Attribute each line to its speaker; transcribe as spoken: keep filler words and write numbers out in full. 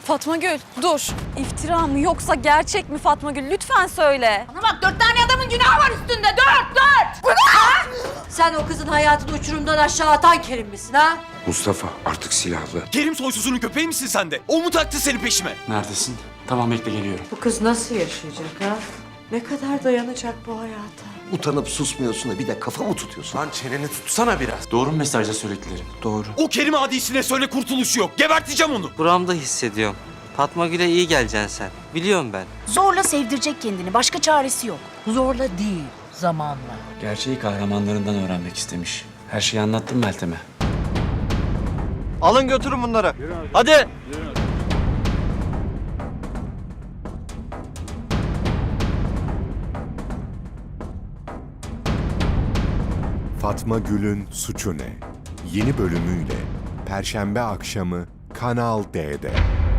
Speaker 1: Fatma Gül dur. İftira mı yoksa gerçek mi Fatma Gül? Lütfen söyle.
Speaker 2: Bana bak, dört tane adamın günahı var üstünde. Dört, dört! Bu ne?
Speaker 3: Sen o kızın hayatını uçurumdan aşağı atan Kerim misin ha?
Speaker 4: Mustafa artık silahlı.
Speaker 5: Kerim soysuzunun köpeği misin sen de? O mu taktı seni peşime?
Speaker 6: Neredesin? Tamam bekle geliyorum.
Speaker 3: Bu kız nasıl yaşayacak ha? Ne kadar dayanacak bu hayata?
Speaker 7: Utanıp susmuyorsun da bir de kafa mı tutuyorsun?
Speaker 6: Lan çeneni tutsana biraz. Doğru mu mesajda söylediklerim?
Speaker 7: Doğru.
Speaker 5: O Kerim adisine söyle kurtuluşu yok. Geberteceğim onu.
Speaker 8: Buramda hissediyorum. Fatma Gül'e iyi geleceksin sen. Biliyorum ben.
Speaker 2: Zorla sevdirecek kendini. Başka çaresi yok.
Speaker 9: Zorla değil, zamanla.
Speaker 6: Gerçeği kahramanlarından öğrenmek istemiş. Her şeyi anlattım Meltem'e.
Speaker 10: Alın götürün bunları. Hadi.
Speaker 11: Fatma Gül'ün Suçu Ne? Yeni bölümüyle Perşembe akşamı Kanal D'de.